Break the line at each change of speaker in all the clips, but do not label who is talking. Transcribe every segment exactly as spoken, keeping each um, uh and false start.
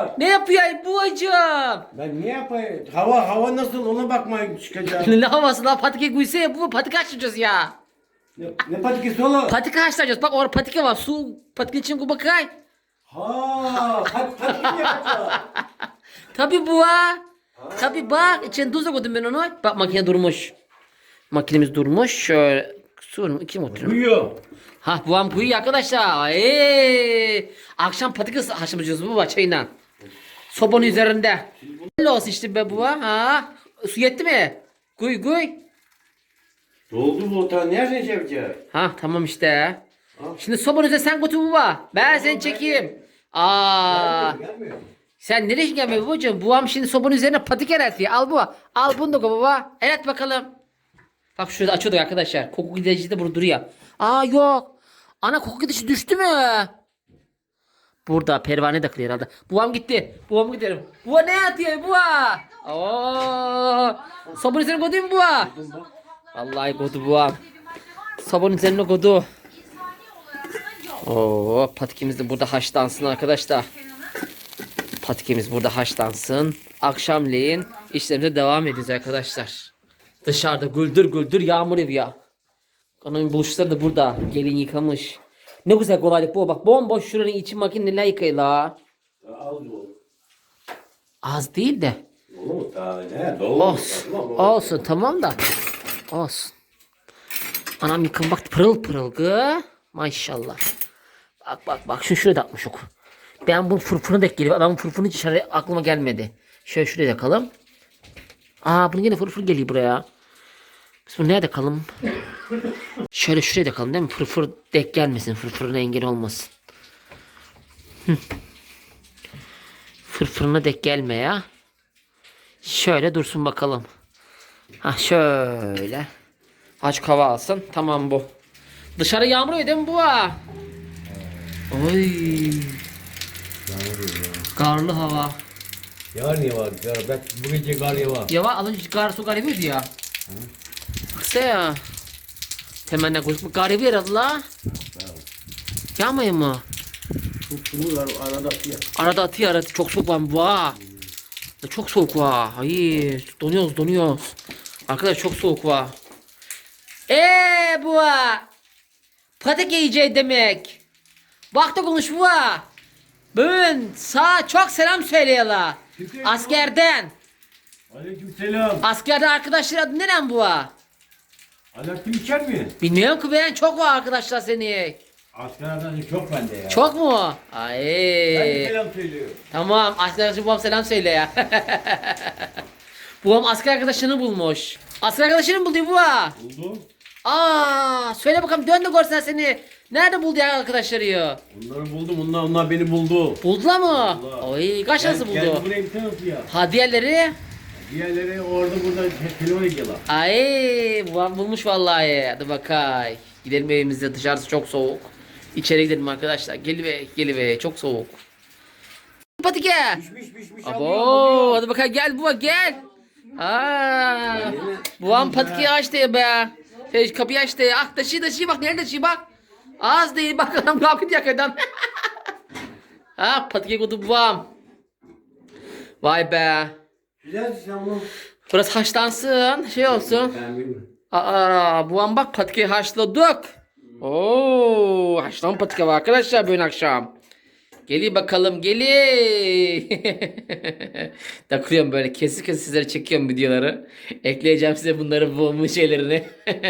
yapıyor?
Ne yapıyor bu hocam?
Ben niye yapayım? Hava hava nasıl ona bakmayın çıkacağım.
Ne havası lan patika guysa ya bu patika açacağız ya.
ne, ne patikası oğlum?
Patika açacağız bak orada patika var su patika için bu bakay.
Ha, pat patik mi yapacağız?
Tabi bu ha. Tabi bak içine tuz da koydum ben onu. Bak makine durmuş. Makinemiz durmuş. Şöyle su iki motor.
Uyuyor.
Ha bu am kuyu arkadaşlar. Eee. Akşam patika haşlayacağız bu çayla. Sobanın üzerinde. Ne olsun işte be bu ha. Su yetti mi? Kuy kuy.
Doldu bu otağı. Nereden şey yapacağız?
Ha tamam işte.
Ha.
Şimdi sobanın üzerine sen götür baba. Ben seni çekeyim. Aa.
Gelmiyor, gelmiyor.
Sen nereye gelmiyor babacığım? Buam şimdi sobanın üzerine patik eretliyor. Al bu. Al bunu da koy baba. Eret bakalım. Bak şurada açıyorduk arkadaşlar. Koku giderici de burada duruyor. Aa yok. Ana koku giderici düştü mü? Burada pervane takılıyor herhalde. Buam gitti. Buam gidelim. Buğa ne atıyor buğa? Oo. Sobanın üzerine koydu mu buğa? Vallahi koydu buam. Sobanın üzerine koydu. Oo, patikimiz de burada haşlansın arkadaşlar. Patikimiz burada haşlansın. Akşamleyin işlerimize devam edeceğiz arkadaşlar. Dışarıda güldür güldür yağmur yağıyor. Kanın buluşları da burada. Gelin yıkamış. Ne güzel kolaylık bu. Bak bomboş şuranın içi makineyle yıkayla.
Ya, az bu.
Az değil de.
Dolu mu? Daha ne? Dolu.
Olsun.
Tamam,
Olsun tamam da. Olsun. Anam yıkım bak pırıl pırıl gı. Maşallah. Bak bak bak şu şuraya da atmış ok. Ben bunun fırfırını da geliyor. Adamın fırfırını hiç şöyle aklıma gelmedi. Şöyle şuraya da kalım. Aa bunun yine fırfır geliyor buraya. Biz bunu nerede kalım? Şöyle şuraya da kalın değil mi? Fırfır denk gelmesin. Fırfırına engel olmasın. Hı. Fırfırına denk gelme ya. Şöyle dursun bakalım. Ha şöyle. Aç hava alsın. Tamam bu. Dışarı yağmur yağıyor değil mi bu ha? Oy. Karlı hava.
Yar niye var? Yar, bak bu gece kar ya var.
Ya var alın kar su kar yapıyordu ya. Kısa ya. Temenni kuşmu kar yapıyor herhalde la. Yağmıyor mu?
Şunu var arada ya.
Arada atıyor arada çok soğuk var bu ha. Çok soğuk var. Hayır donuyoruz donuyoruz. Arkadaş çok soğuk var. Eee bu ha. Patik yiyeceği demek. Bak da konuş bu ha. Bugün sağ çok selam söyleyeler. Askerden.
Aleykümselam.
Askerde arkadaşlar adı neren bu ha?
Alaaddin içer mi?
Bilmiyorum ki ben çok var arkadaşlar seni.
Askerlerden çok bende ya.
Çok mu?
Ben
Ay.
de selam söylüyorum.
Tamam asker arkadaşım babam selam söyle ya. Babam asker arkadaşını bulmuş. Asker arkadaşını mı buldu bu ha?
Buldum.
Aa, söyle bakalım dön de görsen seni. Nerede buldu ya arkadaşları ya?
Onları buldum. Onlar, onlar beni buldu.
Buldular mı?
Buldular.
Oy kaç nasıl
Gel- Geldi
buldu?
buraya bir tanesi ya.
Ha diğerleri?
Diğerleri orada burada te- telefon ediyorlar.
Ay babam bulmuş vallahi. Hadi bakay. Gidelim evimize dışarısı çok soğuk. İçeri gidelim arkadaşlar. Geliver geliver çok soğuk. Patike.
Pişmiş pişmiş
Abo hadi bakalım gel baba gel. Aa, buam patikeyi açtı ya be. Şey, kapıyı açtı ya. Ah taşı taşı bak nerede taşı bak. Az değil bak adam kalkıyor yakadan. Ha patike kutu buam. Vay be.
Güzel sen bunu.
Burası haşlansın şey olsun.
Ben bilmiyorum.
Aa buam bak patikeyi haşladık. Oo haşlan patike var arkadaşlar bugün akşam. Geli bakalım geli. Takıyorum böyle kesik kesik sizlere çekiyorum videoları. Ekleyeceğim size bunları bu şeylerini.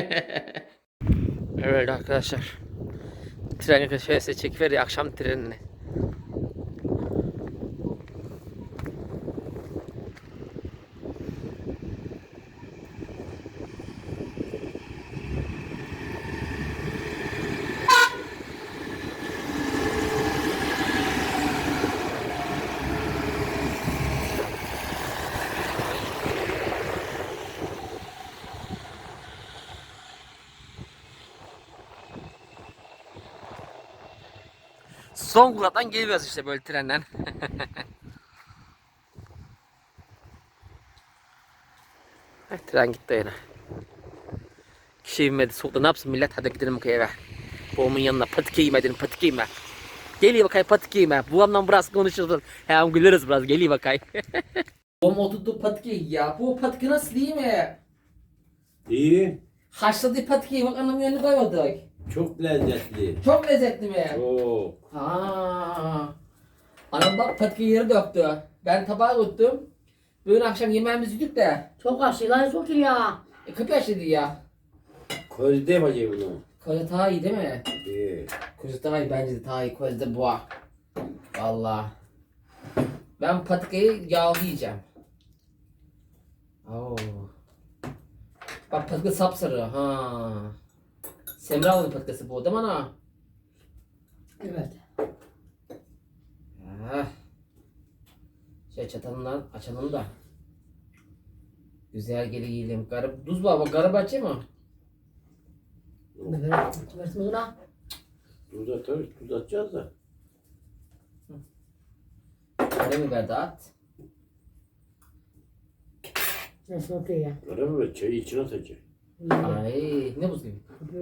Evet arkadaşlar. Tren şöyle size çekiveriyor akşam trenini. Zonguldak'tan geliyoruz işte böyle trenden. Tren gitti yine. Kişi inmedi soğukta ne yapsın millet hadi gidelim eve. Babamın yanına patike yemedim patike yeme. Geliyor bakay patik yiyeyim. Babamla biraz konuşuruz. Hem güleriz biraz. Geliyor bakay. Babam oturdu patik ya. Bu patik nasıl değil mi?
İyi.
Haşladığı patiği bak anamın yanına koymadık.
Çok lezzetli.
Çok lezzetli mi?
Çok.
Ha. Anam bak patiği yere döktü. Ben tabağa tuttum. Bugün akşam yemeğimizi yedik de.
Çok aşıyla çok iyi ya.
E, kapı yaşlıydı ya.
Közde yapacağım bunu.
Koza daha iyi değil mi?
İyi.
Koza daha iyi bence de daha iyi. Koza da boğa. Valla. Ben patikayı yağlı yiyeceğim. Oo. Bak patika sapsarı. Ha. Semra'nın patikası bu değil mi ana?
Evet.
Ah. Şey çatalından açalım da. Güzel geri yiyelim. Garip tuz var bak garip açı mı?
Evet. Versin buna.
Tuz atarız, tuz atacağız da.
Karabiber de at.
Versin okey ya.
Karabiber çayı içine atacak.
Ay ne buz gibi.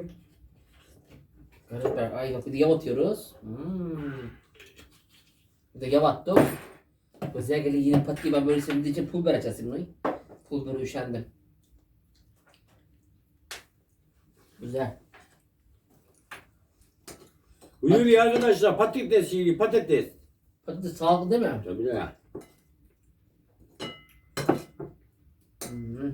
Karabiber ay bak bir de yav atıyoruz. Hmm. Bir de yav attık. Güzel geri yine patiki ben böyle sevdiğim için pul biber açacağız şimdi. Pul biberi üşendim. Güzel.
Buyur ya arkadaşlar patates yiyelim patates.
Patates sağlıklı değil mi?
Tabii ya.
Hmm.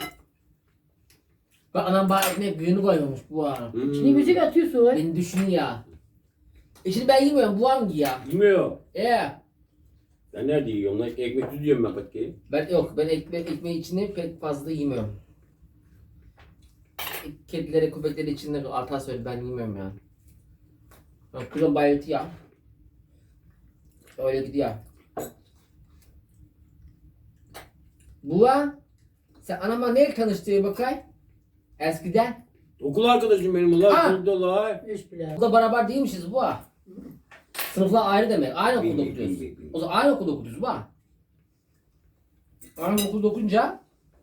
Bak anam bana ekmeğe büyüğünü koymamış bu ara.
Hmm.
Şimdi müzik atıyorsun.
Beni düşün ya. E şimdi ben yemiyorum bu hangi ya?
Yemiyor.
Ee,
Ben nerede yiyorum lan? Ekmek tuz yiyorum ben patikeyi.
ben yok ben ekmek ekmeği içinde pek fazla yemiyorum. Kedilere köpekleri içinde artar söyle ben yemiyorum yani. Ben kulon bayıltı ya. Öyle gidiyor. Buğa sen anama neyle tanıştığın bakay? Eskiden.
Okul arkadaşım benim ulan.
Ha.
Okulda la.
Üç bile.
Okulda beraber değilmişiz Buğa. Sınıflar ayrı demek. Aynı okulda
Bilmiyorum,
okuyoruz.
bilmiyorum, bilmiyorum.
O zaman aynı okulda okuyoruz Buğa. Aynı okulda okunca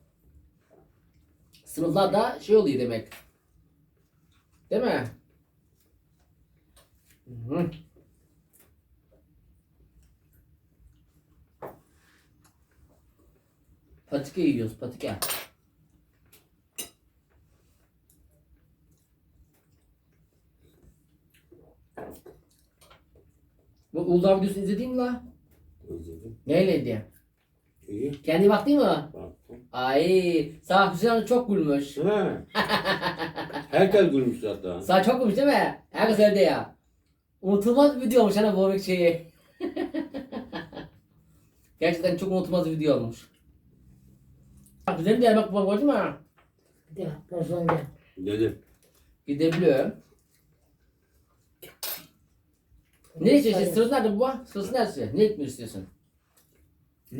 sınıflar da şey oluyor demek. Değil mi? Hı. Patike yiyoruz, patike. Bu Uludağ videosunu izledin mi la?
İzledim.
Neyleydi?
İyi.
Kendi baktın mı?
Baktım.
Ay, sağ Hüseyin Hanım çok gülmüş.
Ha. Herkes gülmüş zaten.
Sağ çok gülmüş değil mi? Herkes öyle ya. Unutulmaz bir video olmuş hani bu şeyi. Gerçekten çok unutulmaz bir video olmuş. Bak güzel bir yemek bu gördün mü?
Bir de porsiyon gel.
Dedim.
Gidebiliyorum. Ne istiyorsun? Sırası nerede bu? Sırası neresi? Ne etmek istiyorsun? Hı?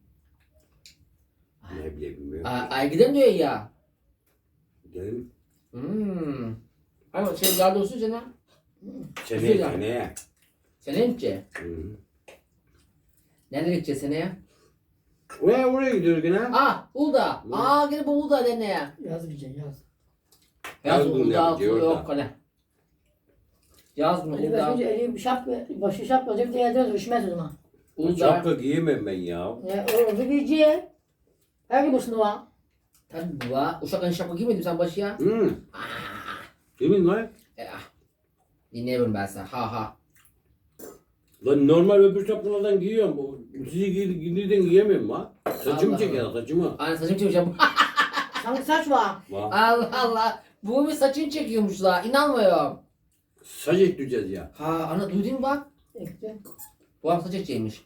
Ne bile bilmiyorum.
Ay, ay gidelim diyor ya.
Dedim.
Hmm. Ama şey yardım olsun sana.
Seneye
Güzel.
seneye.
Seneye mi gideceğiz?
Hı hı.
Nereye gideceğiz seneye?
Oraya oraya gidiyoruz gene.
Aa Uludağ.
Hı.
Aa gene bu Uludağ deneye.
Yaz gideceksin yaz.
Yaz
Yaz günü
Uludağ
yapacağız orada.
yok hani. Yaz günü
Ali
Uludağ.
başınca eli bir şap başı şap olacak bir de elde üşümez o zaman.
Uludağ.
Şapka giyemem ben ya.
Ne o bir giyeceği. Her gün boşuna var.
Tabii bu var. Uşakların şapka giymedin sen başı ya.
Hı. Kimin lan?
E, ah. Dinleyemiyorum ben sana. Ha ha.
Lan normal öbür şapkalardan giyiyorum. O- Sizi giy giydiğinden giyemiyorum ha. Saçımı
Allah
çeker
Allah.
saçımı.
Anne saçım çekeceğim.
Sanki saç var.
Bak.
Allah Allah. Bu bir saçını çekiyormuş la. İnanmıyorum.
Saç ekleyeceğiz ya.
Ha ana duydun mu bak.
Ekti.
Bu adam saç ekeceğiymiş.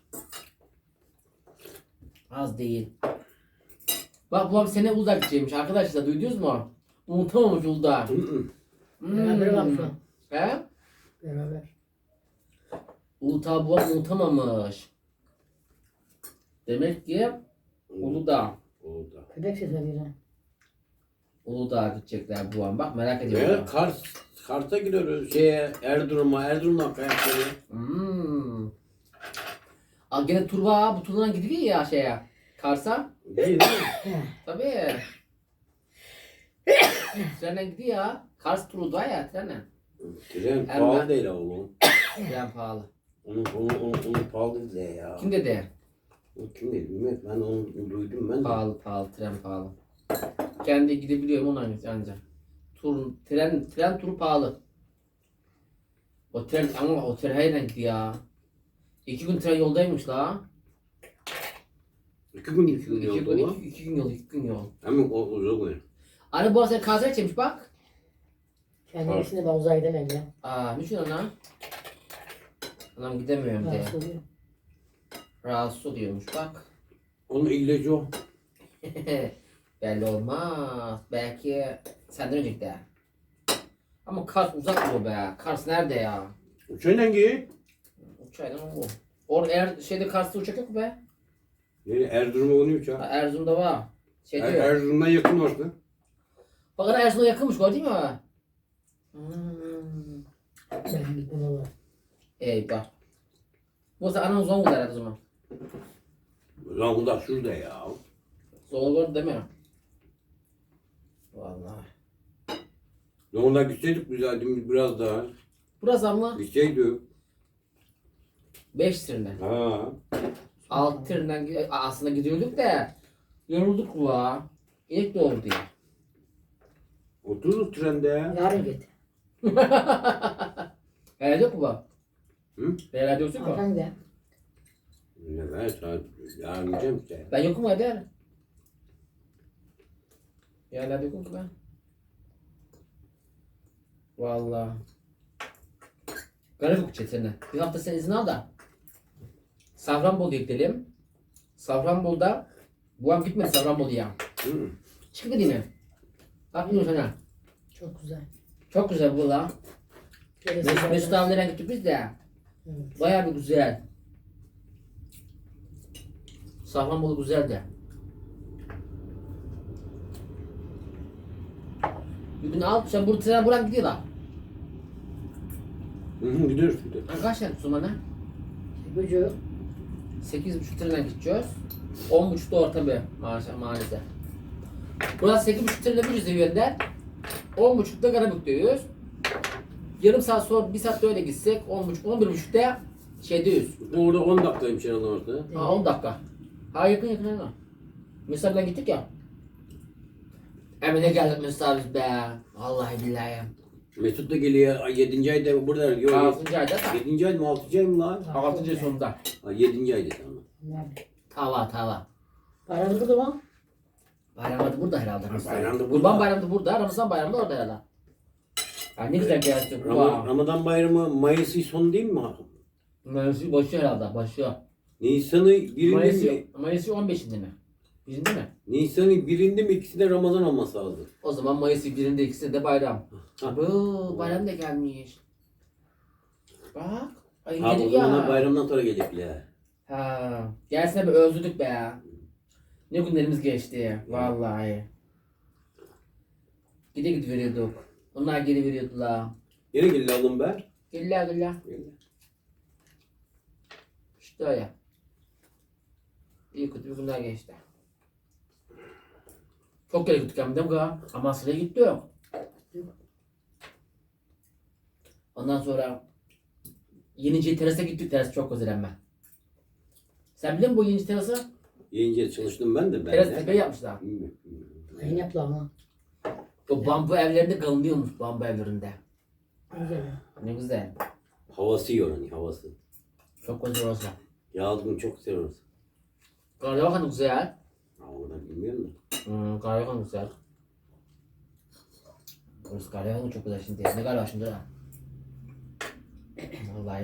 Az değil. Bak bu adam sene Uludağ gidecekmiş arkadaşlar duydunuz mu? Unutamamış Uludağ.
Hı hı.
Beraber var şu an.
He?
Beraber.
Uludağ bu adam unutamamış. Demek ki Uludağ.
Oldu.
Köpek sesi veriyor.
Uludağ'a gidecekler bu an. Bak merak
Ve
ediyorum.
Kars, Kars'a gidiyoruz. Şeye, Erzurum'a, Erzurum'dan kayakları.
Hmm. Aa, gene tur var. Bu turdan gidiliyor ya şeye. Kars'a.
Değil mi?
Tabii. Trenle gidiyor ya. Kars turu da ya trenle.
Tren
Hemen.
pahalı değil oğlum.
Tren pahalı.
Onu, onu, onu, onu pahalı dedi ya.
Kim dedi?
O kim dedi bilmiyorum. Ben onu duydum ben de.
Pahalı pahalı tren pahalı. Kendi gidebiliyorum ona ancak. Tur, tren, tren turu pahalı. O tren ama o tren her renkli ya. İki gün tren yoldaymış la.
İki gün iki gün
İki,
yolda
gün,
o.
iki, iki gün yol, iki gün yol.
Hemen o uzak oyun.
Anne bu arada kanser çekmiş bak.
Kendisini ben uzağa gidemem ya.
Aa, niçin ana? Anam gidemiyorum diye.
Rahatsız oluyor.
Rahatsız oluyormuş bak.
Onun ilacı o.
Belli olmaz. Belki senden önce gider. Ama Kars uzak oluyor be. Kars nerede ya?
Uçağıyla giy.
Uçayla mı bu? Or er şeyde Kars'ta uçak yok mu be?
Yani Erzurum'a onu
Ha,
uçağı.
Erzurum'da var. Şey
Er,
diyor.
Erzurum'dan yakın orası.
Bakın Erzurum'a yakınmış gördün mü? Hmm.
Ben gittim valla.
Eyvah. Bu sefer anam Zonguldak herhalde o zaman.
Zonguldak şurada ya.
Zonguldak değil mi? Vallahi.
Zonguldak gitseydik güzeldi biraz daha.
Burası ama
Gitseydik.
beş trenden.
Ha.
altı trenden gi- aslında gidiyorduk da yorulduk la. İlk doğru diye.
Otururuz trende.
Yarın git.
Herhalde yok mu bu?
Hı?
Herhalde yok mu?
Arkan gide.
Ne ben saat yarın gideceğim işte.
Ben yokum hadi. Herhalde yokum ki ben. Vallahi. Garip yok çetene. Bir hafta sen izin al da. Safranbolu'ya gidelim. Safranbolu'da bu an gitmedi Safranbolu'ya.
Hı.
Çıkıp gideyim mi? Bak biliyorum sana.
Çok güzel.
Çok güzel bu la.
Gerisi
Mesut, Mesut
zaten-
abilerden gittik biz de.
Evet.
Bayağı bir güzel. Safranbolu güzel de. Bir gün al sen bu tren buradan gidiyor la.
Hı hı gidiyoruz gidiyoruz.
Ha, kaç tane tutsun bana?
Gücü
sekiz buçuk trenden gideceğiz. on buçukta orta bir maalesef. maalesef. Burası sekiz buçuk trende bir yüzde on buçukta Karabük'teyiz. Yarım saat sonra bir saat de öyle gitsek on buçuk on bir buçukta şeydeyiz.
Orada on dakikaymış herhalde orada.
Ha on dakika. Ha yakın yakın yakın. Mesela ben gittik ya. Emine geldik Mesut abi be. Vallahi billahi.
Mesut da geliyor. Ay, yedinci ayda burada. Yok,
altıncı ayda da.
yedinci ay mı altıncı ay mı lan?
altıncı ay sonunda.
Ha, yedinci ayda tamam.
nerede?
Tava tava.
Paramız burada mı?
Bayramda burada herhalde.
bayramda burada.
Kurban bayramda burada. Ramazan bayramda orada herhalde. Ya ne güzel gelsin.
Ram Ramazan bayramı Mayıs'ın sonu değil mi?
Mayıs'ı başı herhalde. Başı.
Nisan'ı birinde
Mayıs'ı,
mi?
Mayıs'ı on beşinde mi? Birinde mi?
Nisan'ı birinde mi ikisi de Ramazan olması lazım.
O zaman Mayıs'ı birinde ikisi de bayram.
Ha.
Bu bayram da gelmiş. Bak. Ay
Ha, o
gelir
zaman
ya.
bayramdan sonra gelecekler.
Ha, gelsene bir özledik be. Ne günlerimiz geçti. Vallahi. Gide gide veriyorduk. Onlar geri veriyordular.
Yine geldi alın be.
Gelirler gelirler. İşte öyle. İyi kötü bir günler geçti. Çok kere gittik hem de bu kadar. Amasya'ya gittik. Ondan sonra Yenice terasa gittik. Teras çok güzel ama. Sen biliyor musun bu Yenice terası?
Yiyince çalıştım ben de. Ben
Teras
de.
tepe yapmışlar.
Bilmiyorum, bilmiyorum.
Ayın yaptılar ama.
O bambu evlerinde kalınıyormuş bambu evlerinde.
Güzel.
Ne güzel.
Havası yiyor hani havası.
Çok güzel orası.
Yazdım çok güzel orası.
Karyabakan güzel.
Ha, o da bilmiyorum da.
Hmm, Karyabakan güzel. Orası Karyabakan çok güzel şimdi. Ne galiba şimdi ha. Vallahi.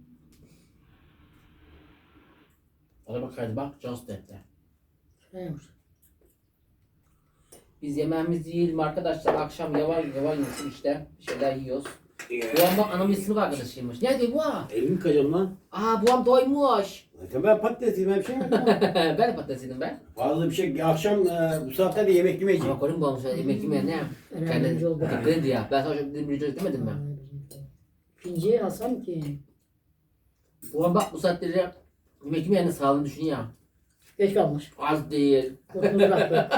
Hadi bak hadi bak just etti.
Neymiş?
Biz yemeğimizi yiyelim arkadaşlar. Akşam yavaş yavaş yiyorsun işte. Bir şeyler yiyoruz. Bu an bak anamın sınıf arkadaşıymış. Nerede bu?
Elimi yıkayacağım lan.
Aa bu an doymuş.
Zaten ben patates yiyeyim bir şey yapmam.
Ben de patates yedim ben.
Fazla bir şey akşam e, bu saatte de yemek yemeyeceğim.
Ama koyun bu an yemek yemeye ne?
Önemli
Kendi
oldu.
dikkat edin ya. Ben sana şöyle bir video demedim mi?
Pinci Hasan ki.
Bu an bak bu saatleri yemek yemeyenin sağlığını düşün ya.
Geç kalmış.
Az değil.
Kokunu bıraktı.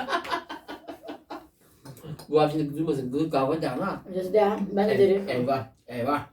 Bu an şimdi duymasın. Gıdık kavga da ama.
Öncesi de ben de derim.
Eyvah. Eyvah.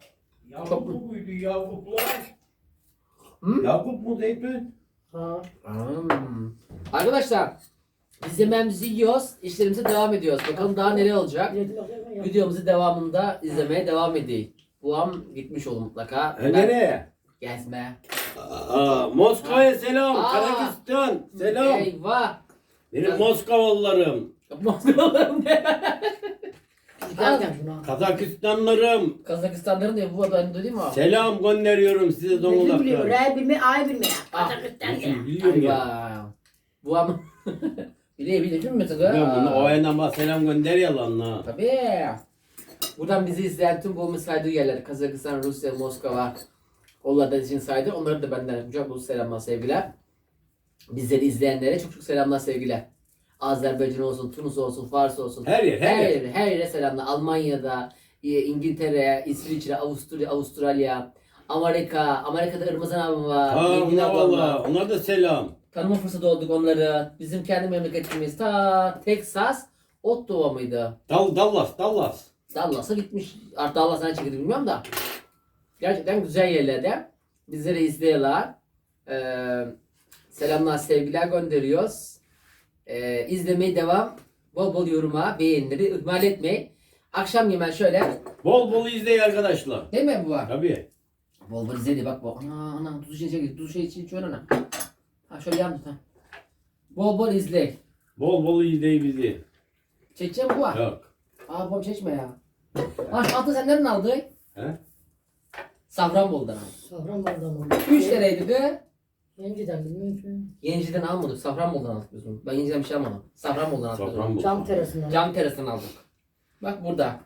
Yakup mu buydu Yakuplar?
Hı?
Yakup mu Zeytun?
Ha.
Hmm. Arkadaşlar biz yemeğimizi yiyoruz, işlerimize devam ediyoruz. Bakalım daha neler olacak. Videomuzu devamında izlemeye devam edeyim. Buam gitmiş olur mutlaka.
E nereye?
Gezme.
Aa, Moskova'ya selam.
Aa.
Kazakistan. Selam.
Eyvah.
Benim Moskovalılarım.
Moskvalılarım ne?
Giderken şuna.
Kazakistanlarım.
Kazakistanların diye bu ben duydum mu?
Selam gönderiyorum size
Ne biliyor?
Zonguldak'tan.
Re bilme, ay bilme.
Ah,
Kazakistan
Biliyorum,
ya.
biliyorum ya.
Eyvah. Buam. Biliyor biliyor değil mi
Ben
mesela?
bunu o yandan bana selam gönder ya lan ha.
Tabii. Buradan bizi izleyen tüm bu saydığı yerler Kazakistan, Rusya, Moskova, onlardan için saydı. Onları da benden kucak dolusu selamlar, sevgiler. Bizleri izleyenlere çok çok selamlar, sevgiler. Azerbaycan olsun, Tunus olsun, Fars olsun.
Her yer, her
her
yer.
yere, her yere selamlar. Almanya'da, e, İngiltere, İsviçre, Avusturya, Avustralya, Amerika, Amerika'da Irmazan abim var.
Ha
Engin
ona
ablam var.
valla. Ona da selam.
Tanıma fırsatı olduk onları. Bizim kendi memleketimiz ta Texas, Ottawa mıydı?
Dal, Dallas, Dallas.
Dallas'a gitmiş. Artık Dallas'a çekildi bilmiyorum da. Gerçekten güzel yerlerde. Bizleri izliyorlar. Ee, selamlar, sevgiler gönderiyoruz. Ee, izlemeye devam. Bol bol yoruma, beğenileri ihmal etmeyin. Akşam yemen şöyle.
Bol bol izleyin arkadaşlar.
Değil mi bu?
Tabii.
Bol bol izledi bak bu. Ana ana tuzu içine çek. Tuzu şey içine içiyor ana. Ha şöyle yan tut ha. Bol bol izle.
Bol bol izleyin bizi.
Çekeceğim bu.
Yok.
Aa babam çekme ya. Ha şu altı sen nereden aldın?
He?
Safranbolu'dan aldım.
Safranbolu'dan oldu.
üç liraydı be.
Yeniden bilmiyorum ki.
Yeniciden almadık. Safranbolu'dan aldık biz bunu. Ben Yeniciden bir şey almadım. Safranbolu'dan aldık. biz bunu.
Safranbolu.
Cam terasından.
Cam terasından aldık. Bak burada.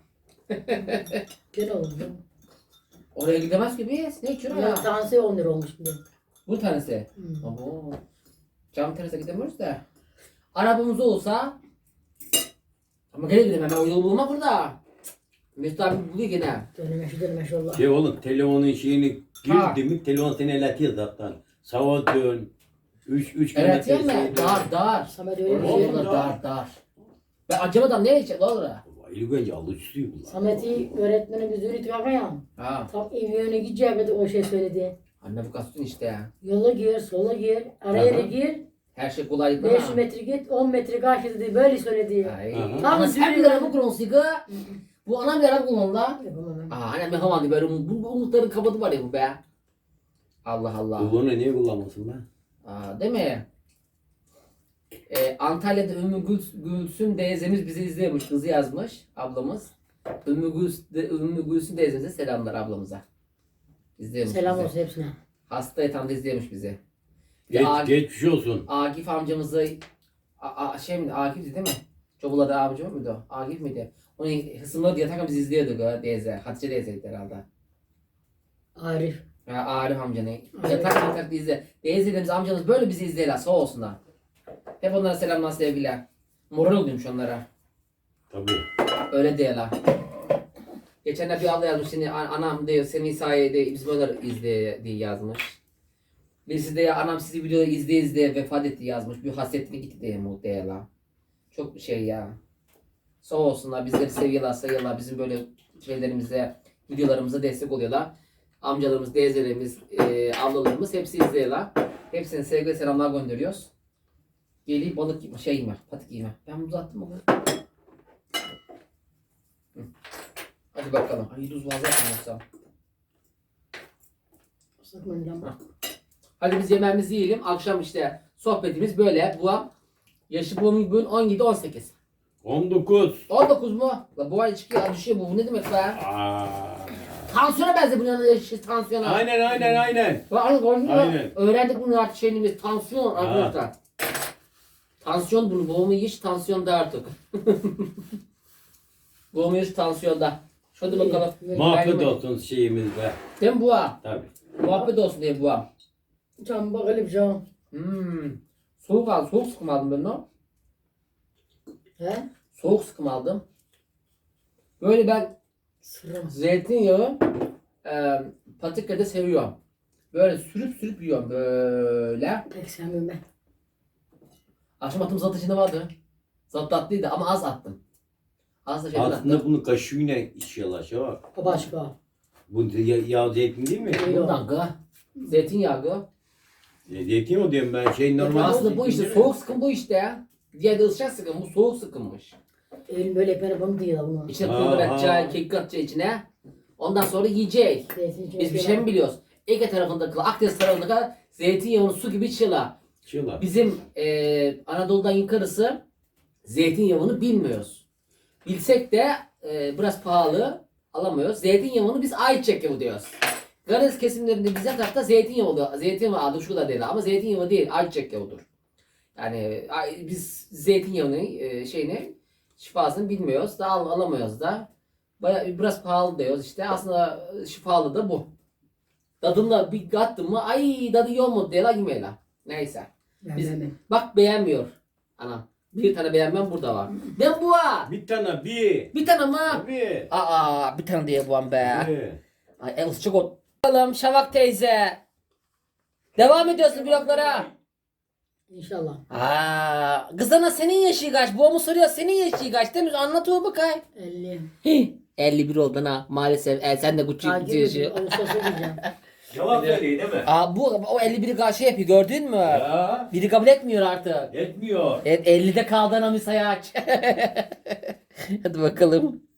Gene oldu.
Oraya gidemez ki biz. Ne içiyorsun
Ya
ya?
tanesi on lira olmuş bir de.
Bu tanesi.
Hmm.
Abo. Cam terasa gidemiyoruz da. Arabamız olsa. Ama gene gidemem. Ben o yolu bulma burada. Mesut abi buluyor gene.
Döneme şu döneme şu Allah.
Şey oğlum telefonun şeyini
Ha.
girdi mi telefon seni el atıyor zaten. Sağa dön. Üç, üç
Evet
kilometre
değil mi?
şey dön.
Dar dar.
Samet öyle bir
Oğlum,
şey.
Orada
dar.
dar dar. Ben acamadan nereye gidecek lan oraya?
İlk önce alıcısıyım bunlar.
Samet'i öğretmeni biz öğretiyor ya.
Ha.
Tam evi yöne gideceği de o şey söyledi.
Anne bu kastın işte ya.
Yola gir, sola gir, araya da
Aha.
gir.
Her şey kolaylıkla.
beş yüz metre git, on metre karşı dedi. Böyle söyledi.
Ay.
Aha.
Ama sen bir araba kullanıyorsun ki. Bu anam bir araba kullanıyor lan.
Yapamam ben.
Aa annem yapamadı böyle bu, bu umutların kapadı var ya bu be. Allah Allah.
Kullanı niye kullanmasın lan?
Aa değil mi? Ee, Antalya'da Ümmü Gül, Gülsüm teyzemiz bizi izliyormuş. Kızı yazmış ablamız. Ümmü Gülsüm, Ümmü Gülsüm teyzemize selamlar ablamıza. İzliyormuş
Selam
bizi.
olsun hepsine.
Hasta yatağında izliyormuş bizi. Bir
Geç,
Akif,
geçmiş olsun.
Akif amcamızı A, A, şey mi Akif'ti değil mi? Çobulada amcam mıydı o? Akif miydi? Onu hısımladı yatakta biz izliyorduk o teyze. Hatice teyzeydi herhalde.
Arif.
Ya Arif amcanı.
Arif.
Yatak yatak izle. Teyzelerimiz amcanız böyle bizi izleyeler sağ olsunlar. Hep onlara selamlar sevgiler. Moral oluyormuş onlara.
Tabii.
Öyle diyorlar. Geçenler bir abla yazmış seni an- anam diyor seni sayede biz böyle izleye diye yazmış. Birisi de ya anam sizi videoda izleye izleye vefat etti yazmış. Bir hasretine gitti diye muhtemelen. Çok şey ya. Sağ olsunlar bizleri seviyorlar sayıyorlar. Bizim böyle şeylerimize videolarımıza destek oluyorlar. Amcalarımız, teyzelerimiz, e, ablalarımız hepsi izliyorlar. Hepsine sevgi ve selamlar gönderiyoruz. Gelip balık yeme, şey yeme, patik yeme. Ben bunu uzattım mı? Hı. Hadi bakalım. Ay tuz fazla yapmıyorsam.
Saklanacağım.
Hadi biz yemeğimizi yiyelim. Akşam işte sohbetimiz böyle. Bu an yaşı bu bugün on yedi on sekiz.
on dokuz.
on dokuz mu? La bu ay çıkıyor düşüyor bu. Bu ne demek be?
Aa.
Tansiyona benziyor bunun yanında yaşı tansiyona.
Aynen aynen aynen.
Aynen.
Aynen.
Öğrendik bunu artık şeyimiz tansiyon arkadaşlar. Tansiyon bunu boğumu yiyiş tansiyonda artık. Boğumu yiyiş tansiyonda. Şöyle bakalım.
Muhabbet olsun şeyimiz be.
Değil mi bu ha?
Tabii.
Muhabbet olsun diye bu ha.
Can bakalım can.
Hmm. Soğuk aldım. Soğuk sıkım aldım ben o.
He?
Soğuk sıkım aldım. Böyle ben
Sıram.
zeytinyağı e, patikada seviyorum. Böyle sürüp sürüp yiyorum böyle.
Pek sevmiyorum ben.
Akşam attığım zat içinde vardı. Zat tatlıydı ama az attım. Az da şeyden attım.
Aslında bunu kaşığıyla içiyorlar şey var.
O başka.
Bu ya- yağ zeytin değil mi?
Yok.
Bundan gı. Zeytinyağı gı.
E, Zeytin o diyorum ben şey normal.
Aslında bu
zeytin
işte
değil mi?
soğuk sıkım bu işte ya. Diğer de ısıcak sıkım bu soğuk sıkımmış.
Elim böyle yapana bunu diyor ama.
İçine
Ha,
pul biber
ha.
atacaksın, kekik atacaksın içine. Ondan sonra yiyecek.
Zeytin içine
Biz bir şey
koyalım.
mi biliyoruz? Ege tarafındaki, Akdeniz tarafındaki zeytinyağını su gibi çıla.
Çığla.
Bizim e, Anadolu'dan yukarısı zeytinyağını bilmiyoruz. Bilsek de e, biraz pahalı alamıyoruz. Zeytinyağını biz ayçiçek yağı diyoruz. Karadeniz kesimlerinde bize tarafta zeytinyağı oluyor. Zeytinyağı adı şu da değil ama zeytinyağı değil ayçiçek yağıdır. Yani ay- biz zeytinyağını e, şeyini şifasını bilmiyoruz da al, alamıyoruz da. Baya, biraz pahalı diyoruz işte. Aslında şifalı da bu. Tadımla bir kattım mı ay tadı iyi olmadı diye la yemeğe la. Neyse.
Ben
Biz-
ben.
Bak beğenmiyor. Anam. Bir tane beğenmem burada var. Ben bu var.
Bir tane bir.
Bir tane mi?
Bir.
Aa bir tane diye bu an be.
Bir.
Ay el sıçık ol. Bakalım Şavak teyze. Devam ediyorsun bloklara.
İnşallah.
Aa, kızana senin yaşı kaç? Bu mu soruyor senin yaşı kaç? Değil mi? Anlat o bakay.
elli.
Hih, elli bir oldun ha maalesef. E, sen de küçük
Takip
yaşı.
ediyorum. Ağustos'a gideceğim.
Cevap veriyor değil mi?
Aa bu o elli biri karşı yapıyor gördün mü?
Ya.
Biri kabul etmiyor artık.
Etmiyor.
Evet ellide kaldı anamı sayaç. Hadi bakalım.